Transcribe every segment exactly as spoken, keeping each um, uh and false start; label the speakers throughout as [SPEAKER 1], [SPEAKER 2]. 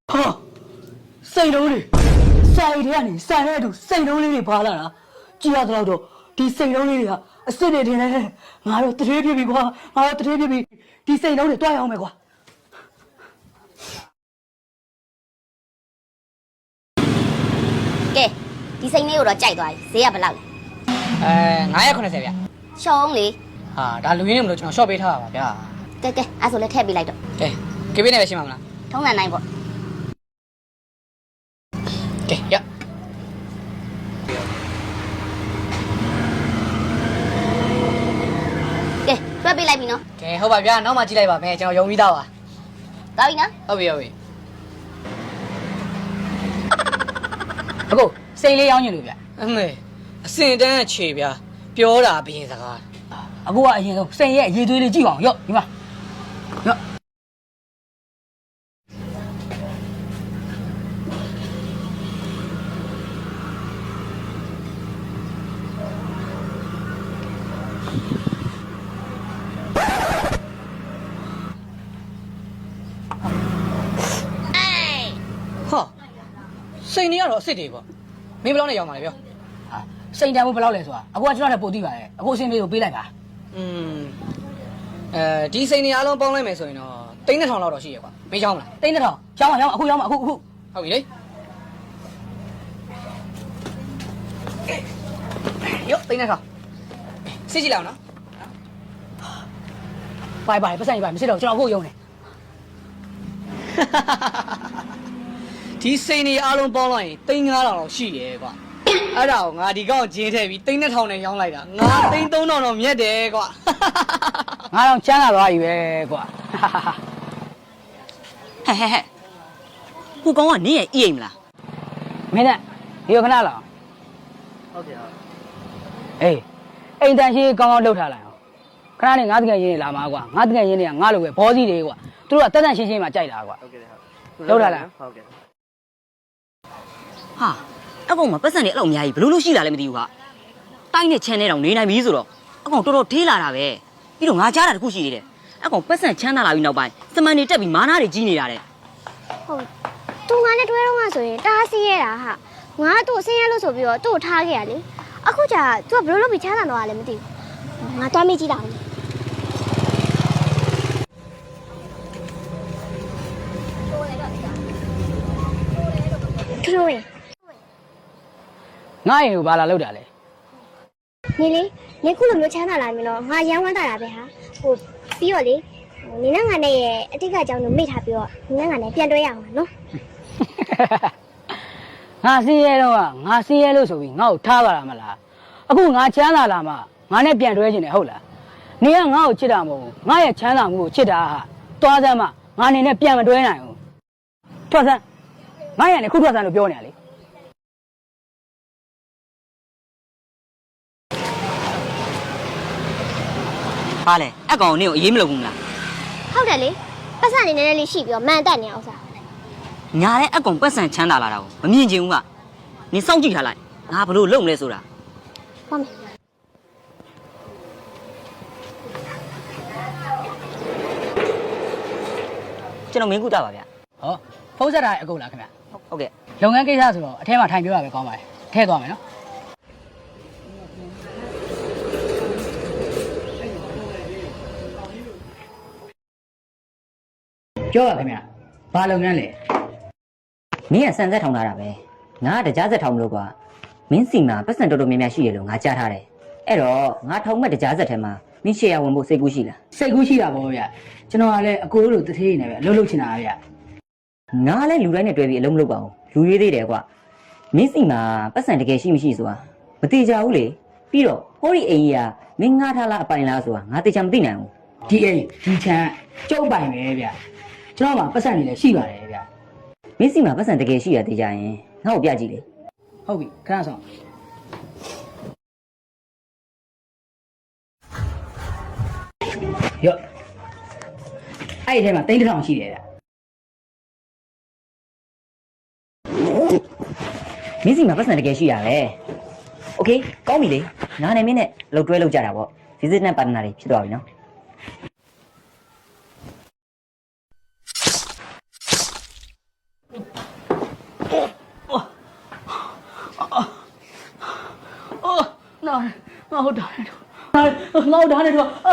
[SPEAKER 1] 哈，谁弄的？谁的呀你？谁来的？谁弄的？扒了啦！只要知道着，第谁弄的呀？谁的天嘞？俺要特别别夸，俺要特别别，第谁弄的多样没夸？
[SPEAKER 2] 给，第谁没有了债多，谁也不捞了。
[SPEAKER 3] 哎，俺也可能这边。
[SPEAKER 2] 小红哩。
[SPEAKER 3] 啊，但录音不就像小白他吧，呀？
[SPEAKER 2] 对对，俺说了太别来着。
[SPEAKER 3] 哎，这边那边行吗？
[SPEAKER 2] 通常那一波。
[SPEAKER 3] 给呀。
[SPEAKER 2] 给，多别来宾喏。
[SPEAKER 3] 给，好吧，别，那么进来吧，没，叫用味道啊。
[SPEAKER 2] 到ပြီနော်
[SPEAKER 3] ဟုတ်ပြီဟုတ်ပြီအခုစိတ်လေးရောင်းညင်လို့ဗျအမေအစင်တန်းခြေဗျပြောတာဘင်းစကားအခုကအရင်ဆုံးစိတ်ရဲ့အရေးသွေးလေးကြည့်အောင်ရော့ဒီမှာရော့ဟာစိတ်နေရတော့အစ်စ်တွေပေါ့မင်းဘယ်လောက်နဲ့ရောင်းပါလဲပြောဟာစိတ်တန်ဖို့ဘယ်လောက်လဲဆိုတာအခုကကျွန်တော်လည်းပို့သိပါတယ်အခုအစင်လေးကိုပေးလိုက်ပါอืมအဲဒီစိတ်နေအားလုံးပေါင်းလိုက်မယ်ဆိုရင်တော့တိန်းတစ်ထောင်လောက်တော့ရှိရကွာမင်းရောင်းမလားတိန်းတစ်ထောင်ရောင်းပါရောင်းအခုရောင်းပါအခုအခုဟုတ်ပြီလေရောတိန်းတစ်ထောင်စစ်ကြည့်လိုက်အောင်နော်ပိုင်ပိုင်ပတ်စံကြီးပါမစစ်တော့ကျွန်တော်အခုရုံးနေဒီစိန်နေအားလုံးပေါင်းလိုက်ရင်တိန်းငါးထောင်လောက်ရှိရဲကွာအဲ့ဒါကိုငါဒီကောင်ဂျင်းထည့်ပြီးတိန်းနှစ်ထောင်နဲ့ရောင်းလိုက်တာငါတိန်းသုံးထောင်တော့မြတ်တယ်ကွာငါတော့ချမ်းသာသွားပြီပဲကွာ
[SPEAKER 4] ဟဲ့ဟဲ့ဟဲ့ကိုကောင်ကနင်းရဲ့အိမ်မလား
[SPEAKER 3] မင်းနဲ့ဒီခဏလာဟုတ်ကဲ့ဟုတ်အေးအိမ်တန်ရှိကောင်းကောင်းလှုပ်ထားလိုက်အောင်ခဏနဲ့ငါတကယ်ရင်းနေလာမှာကွာငါတကယ်ရင်းနေတာငါလိုပဲဘောစီတွေကွာသူတို့ကတက်တက်ရှင်းရှင်းမှကြိုက်တာကွာဟုတ်ကဲ့ဟုတ်လှုပ်ထားလိုက်ဟုတ်ကဲ့
[SPEAKER 4] ဟာအကောင်မပတ်စံနေအဲ့လိုအများကြီးဘလို့လို့ရှိလာလဲမသိဘူးဟာတိုင်းနဲ့ချမ်းနေတော့နေနိုင်ပြီဆိုတော့အကောင်တော်တော်ထေးလာတာပဲပြီးတော့ငါကြားတာတခုရှိသေးတယ်အကောင်ပတ်စံချမ်းသာလာပြီးနောက်ပိုင်းစမန်နေတက်ပြီးမာနာတွေကြီးနေတာတဲ့
[SPEAKER 5] ဟုတ်သူငါနဲ့တွဲတော့မှဆိုရင်တားစီးရတာဟာငါသူ့ဆင်းရဲလို့ဆိုပြီးတော့သူ့ကိုထားခဲ့ရလေအခုကျသူကဘလို့လို့ပြီးချမ်းသာတော့လဲမသိဘူးငါတွားမိကြည့်တာထလို့ရင်
[SPEAKER 3] ငါရင်ကိုဘာလာလောက်တာလဲ
[SPEAKER 5] နေလေနေခုလိုမျိုးချမ်းသာလာပြီတော့ငါရမ်းဝမ်းတာတာပဲဟာဟိုပြီးတော့လေနေနဲ့ငါနဲ့ရဲ့အတိတ်ကအကြောင်းကိုမေ့ထားပြီးတော့နေနဲ့ငါနဲ့ပြန်တွဲရအောင်ပါနော်
[SPEAKER 3] ငါစင်းရဲတော့ငါစင်းရဲလို့ဆိုပြီးငါ့ကိုထားပါလားမလားအခုငါချမ်းသာလာမှငါနဲ့ပြန်တွဲခြင်းနဲ့ဟုတ်လားနေကငါ့ကိုချစ်တာမဟုတ်ဘူးငါရဲ့ချမ်းသာမှုကိုချစ်တာဟာသွားစမ်းမှငါနေနဲ့ပြန်မတွဲနိုင်ဘူးထွက်စမ်းငါရနေခုထွက်စမ်းလို့ပြောနေရလေ
[SPEAKER 4] ဟာလေအကောင်နင်းကိုအေးမလုပ်ဘူးမလား
[SPEAKER 5] ဟုတ်တယ်လေပတ်စံနေနေလေးရှိပြီးတော့မန်တက်နေအောင်စား
[SPEAKER 4] ညာတဲ့အကောင်ပတ်စံချမ်းသာလာတာကိုမမြင်ချင်ဘူးကနင်းစောင့်ကြည့်ထားလိုက်ငါဘလို့လုံမလဲဆိုတာ
[SPEAKER 5] ဟုတ်မယ်
[SPEAKER 4] ကျွန်တော်မင်းကူတာပါဗျ
[SPEAKER 3] ဟောဖုန်းဆက်တာအကုန်လားခင်ဗျ
[SPEAKER 4] ဟုတ်ကဲ့
[SPEAKER 3] လုပ်ငန်းကိစ္စဆိုတော့အထဲမှာထိုင်ပြောရပဲကောင်းပါတယ်ထည့်သွားမယ်နော်ပြောပါခင်ဗျဘာလုပ်ငန်းလဲ
[SPEAKER 4] မင်းကစံဆက်ထောင်ထားတာပဲငါကတရားဆက်ထောင်မလို့ကွာမင်းစီမှာပတ်စံတော်တော်များများရှိရလို့ငါကြားထားတယ်အဲ့တော့ငါထောင်မဲ့တရားဆက်ထဲမှာမင်းရှေ့ရဝင်ဖို့စိတ်ကူးရှိလား
[SPEAKER 3] စိတ်ကူးရှိတာပေါ့ဗျကျွန်တော်ကလည်းအကိုတို့တထေးနေပဲအလုပ်လုပ်ချင်တာဗျ
[SPEAKER 4] ငါလည်းလူတိုင်းနဲ့တွဲပြီးအလုပ်မလုပ်ပါဘူးလူရွေးသေးတယ်ကွာမင်းစီမှာပတ်စံတကယ်ရှိမရှိဆိုတာမသိကြဘူးလေပြီးတော့ဟောဒီအိမ်ကြီးကမင်းငါထားလားအပိုင်လားဆိုတာငါသိချင်မသိနိုင်ဘူး
[SPEAKER 3] ဒီအိမ်ဒီချမ်းကျုပ်ပိုင်ပဲဗျကျွန်တော်မှာပတ်စံနေလည်းရှိပါတယ်ဗျ
[SPEAKER 4] မင်းစီမှာပတ်စံတကယ်ရှိရသိကြရင်ငါ့ကိုပြကြည့်လေ
[SPEAKER 3] ဟုတ်ပြီခဏဆောင်ရော့အဲ့ဒီထဲမှာတိန်းတစ်ထောင်ရှိတယ်ဗျ
[SPEAKER 4] မင်းစီမှာပတ်စံတကယ်ရှိရပဲโอเคကောင်းပြီလေငါနဲ့မင်းနဲ့လှုပ်တွဲလှုပ်ကြတာပေါ့ visit နဲ့ partner တွေဖြစ်သွားပြီနော်
[SPEAKER 1] ငါ့ဒါနဲ့တော့ငါ့ဒါနဲ့တော့အာ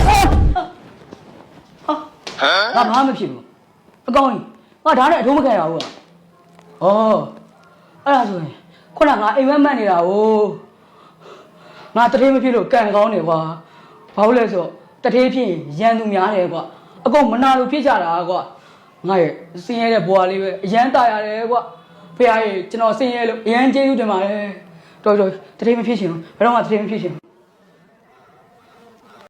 [SPEAKER 1] ဟာငါဘာမှမဖြစ်ဘူးအကောင်းကြီးငါဒါနဲ့အထုံးမခံရဘူးอ่ะဩအဲ့ဒါဆိုရင်ခုနကငါအိမ်မက်မက်နေတာ哦ငါတထေးမဖြစ်လို့ကံကောင်းတယ်ကွာဘာလို့လဲဆိုတထေးဖြစ်ရန်သူများတယ်ကွာအကုန်မနာလို့ဖြစ်ကြတာကွာငါရဲ့စင်းရဲတဲ့ဘွားလေးပဲအရန်ตายရတယ်ကွာဖေဟာကြီးကျွန်တော်စင်းရဲလို့အရန်ကျေးဇူးတင်ပါတယ်တော်တော်တထေးမဖြစ်ရှင်ဘယ်တော့မှတထေးမဖြစ်ရှင်